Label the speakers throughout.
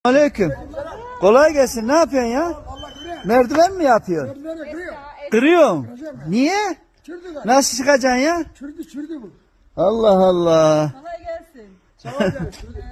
Speaker 1: Aleyküm. Kolay gelsin. Ne yapıyorsun ya? Merdiven mi yapıyorsun? Kırıyorum. Niye? Nasıl çıkacaksın ya?
Speaker 2: Çürdü bu.
Speaker 1: Allah Allah.
Speaker 3: Kolay gelsin.
Speaker 2: Sağ ol canım.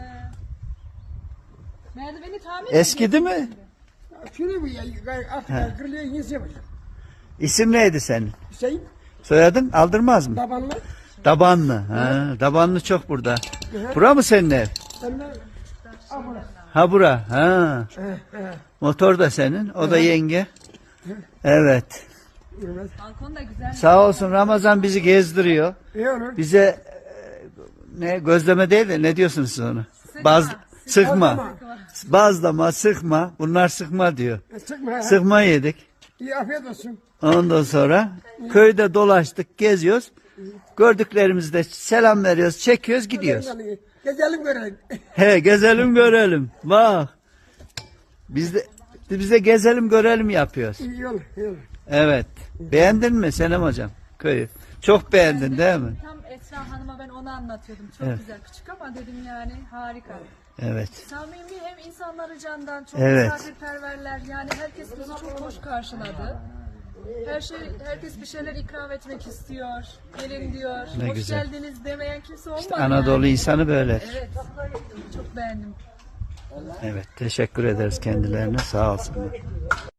Speaker 3: Merdiveni tamir
Speaker 1: Eskidi mi?
Speaker 2: Çürdü bu ya. Artık kırılıyor yenisi yapacağım.
Speaker 1: İsim neydi senin?
Speaker 2: Hüseyin
Speaker 1: Soyadın aldırmaz mı?
Speaker 2: babanla.
Speaker 1: Dabanlı. Ha, Dabanlı çok burada. Bura mı senin ev?
Speaker 2: Ben de abla.
Speaker 1: Ha bura. Ha. Motor da senin. O da yenge. Evet.
Speaker 3: Balkon da güzel.
Speaker 1: Sağ olsun Ramazan bizi gezdiriyor.
Speaker 2: İyi olur.
Speaker 1: Bize ne gözleme değil de ne diyorsunuz siz onu? Sıkma. Bazlama, sıkma. Bunlar sıkma diyor.
Speaker 2: Sıkma ya.
Speaker 1: Sıkma yedik.
Speaker 2: İyi afiyet olsun.
Speaker 1: Ondan sonra köyde dolaştık, geziyoruz. Gördüklerimizde selam veriyoruz, çekiyoruz, gidiyoruz.
Speaker 2: Gezelim görelim.
Speaker 1: He, gezelim görelim. Bak. Biz de gezelim görelim yapıyoruz.
Speaker 2: İyi olur. İyi olur.
Speaker 1: Evet. Beğendin mi Senem hocam köyü? Çok beğendin değil mi?
Speaker 3: Tam Esra Hanım'a ben onu anlatıyordum. Çok
Speaker 1: Evet.
Speaker 3: güzel. Küçük ama dedim yani harika.
Speaker 1: Evet.
Speaker 3: Samimi hem insanları candan çok
Speaker 1: Evet.
Speaker 3: misafirperverler. Yani herkes bizi çok hoş karşıladı. Herkes bir şeyler ikram etmek istiyor. Gelin diyor.
Speaker 1: Ne
Speaker 3: hoş
Speaker 1: güzel.
Speaker 3: geldiniz demeyen kimse olmadı.
Speaker 1: Anadolu
Speaker 3: yani.
Speaker 1: insanı böyle.
Speaker 3: Evet. Çok beğendim.
Speaker 1: Evet. Teşekkür ederiz kendilerine. Sağ olsunlar.